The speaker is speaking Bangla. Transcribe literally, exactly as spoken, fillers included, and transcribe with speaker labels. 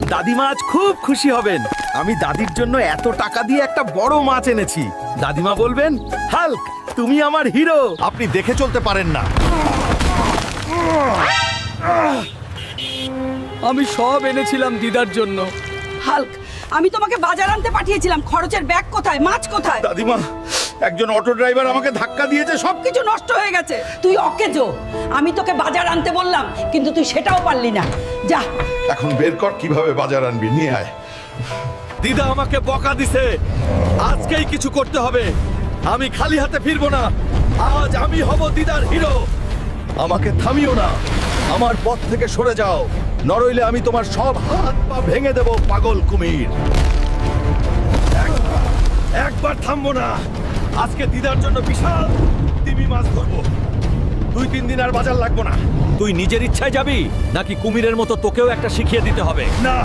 Speaker 1: দাদিমা আজ খুব খুশি হবেন। আমি দাদির জন্য এত টাকা দিয়ে একটা বড় মাছ এনেছি। দাদিমা বলবেন, হাল্ক তুমি আমার হিরো।
Speaker 2: আপনি দেখে চলতে পারেন না।
Speaker 3: আমি সব এনেছিলাম দিদার জন্য।
Speaker 4: হাল্ক, আমি তোমাকে বাজার আনতে পাঠিয়েছিলাম। খরচের ব্যাগ কোথায়? মাছ কোথায়?
Speaker 2: দাদিমা, একজন অটো ড্রাইভার আমাকে ধাক্কা দিয়েছে, সব
Speaker 4: কিছু নষ্ট হয়ে গেছে। তুই অকেজো। আমি তোকে বাজার আনতে বললাম, কিন্তু তুই সেটাও পারলি না। যা
Speaker 2: এখন বের কর কিভাবে বাজার আনবি, নিয়ে আয়।
Speaker 1: দিদা আমাকে বকা দিছে, আজকেই কিছু করতে হবে। আমি খালি হাতে ফিরবো না। আজ আমি হব দিদার হিরো। আমাকে থামিও না, আমার পথ থেকে সরে যাও, নরইলে আমি তোমার সব হাত পা ভেঙে দেব পাগল কুমির। একবার একবার থামবো না। আজকে দিদার জন্য বিশাল তিমি মাছ ধরবো। দুই তিন দিন আর বাজার লাগবো না। তুই নিজের ইচ্ছায় যাবি নাকি কুমিরের মতো তোকেও একটা শিখিয়ে দিতে হবে? না।